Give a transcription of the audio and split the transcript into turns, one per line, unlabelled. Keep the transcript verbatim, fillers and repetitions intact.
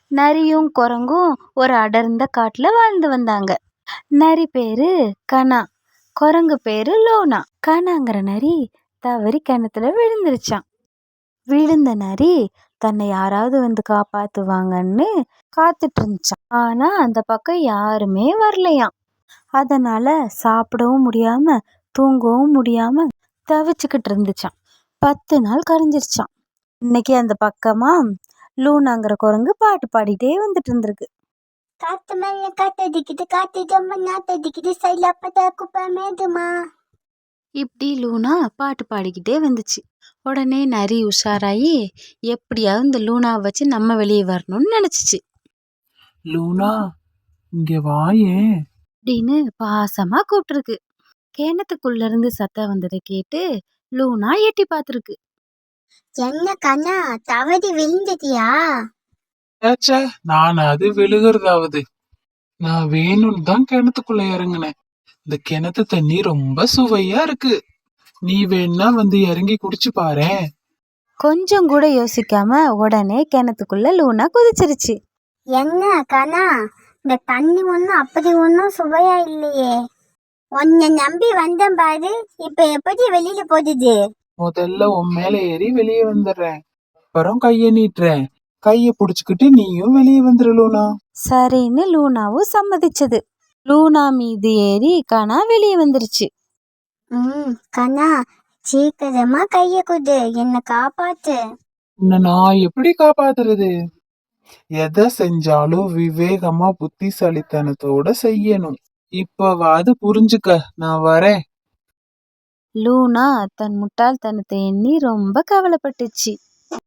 நரியும் குரங்கும் ஒரு அடர்ந்த காட்டுல வாழ்ந்து வந்தாங்க. நரி பேரு கனா, குரங்கு பேரு லோனா. கனாங்கிற நரி தவறி கிணத்துல விழுந்துருச்சான். விழுந்த நரி தன்னை யாராவது வந்து காப்பாத்துவாங்கன்னு காத்துட்டு இருந்துச்சான். ஆனா அந்த பக்கம் யாருமே வரலையாம். அதனால சாப்பிடவும் முடியாம தூங்கவும் முடியாம தவிச்சுக்கிட்டு இருந்துச்சான். பத்து நாள் கழிஞ்சிருச்சான். இன்னைக்கு அந்த பக்கமா லூனாங்கிற குரங்கு பாட்டு பாடிட்டே வந்துட்டு இருந்திருக்கு.
காத்து மேல காத்தடிக்குது, காத்து ஜம்ம நாத்தடிக்குது, சைல அப்பதா குப்பை மேதுமா.
இப்படி லூனா பாட்டு பாடிக்கிட்டே வந்துச்சு. உடனே நரி உஷாராயி எப்படியாவது இந்த லூனாவை வச்சு நம்ம வெளியே வரணும்னு நினைச்சிச்சு.
லூனா இங்க வாயேன்
அப்படின்னு பாசமா கூப்பிட்டுருக்கு. கிணத்துக்குள்ள இருந்து சத்தம் வந்ததை கேட்டு லூனா எட்டி பார்த்துருக்கு.
என்ன கண்ணா, தவறி விழுந்துட்டியா?
ஏச்சே, நான் அது விழுகிறதாவது. நான் வேணும்னு தான் கிணத்துக்குள்ள இறங்குனேன். இந்த கிணத்து தண்ணி ரொம்ப சுவையா இருக்கு. நீ வேணா வந்து இறங்கி குடிச்சு பாரேன்.
கொஞ்சம் கூட யோசிக்காம உடனே கிணத்துக்குள்ள லூனா குதிச்சிருச்சு.
என்ன கண்ணா, இந்த தண்ணி ஒன்றும் அப்படி ஒன்றும் சுவையா இல்லையே. உன்னை நம்பி வந்தேன் பாரு, இப்ப எப்படி வெளியில போகுது?
முதல்ல உன் மேல ஏறி வெளியே வந்துடுறேன், அப்புறம் கைய நீட்டுறேன். கைய புடிச்சுக்கிட்டு நீயும் வெளியே வந்துரு லூனா.
சரின்னு லூனாவும் சம்மதிச்சது. லூனா மீது ஏறி கனா வெளியே வந்துருச்சு.
ம் கண்ணா, சீக்கிரமா கைய குடு, என்ன காப்பாத்து.
உன்னை நான் எப்படி காப்பாத்துறது? எதை செஞ்சாலும் விவேகமா புத்திசாலித்தனத்தோட செய்யணும். இப்பவாது புரிஞ்சுக்க, நான் வரேன்.
லூனா தன் முட்டாள்தனத்தை எண்ணி ரொம்ப கவலைப்பட்டுச்சு.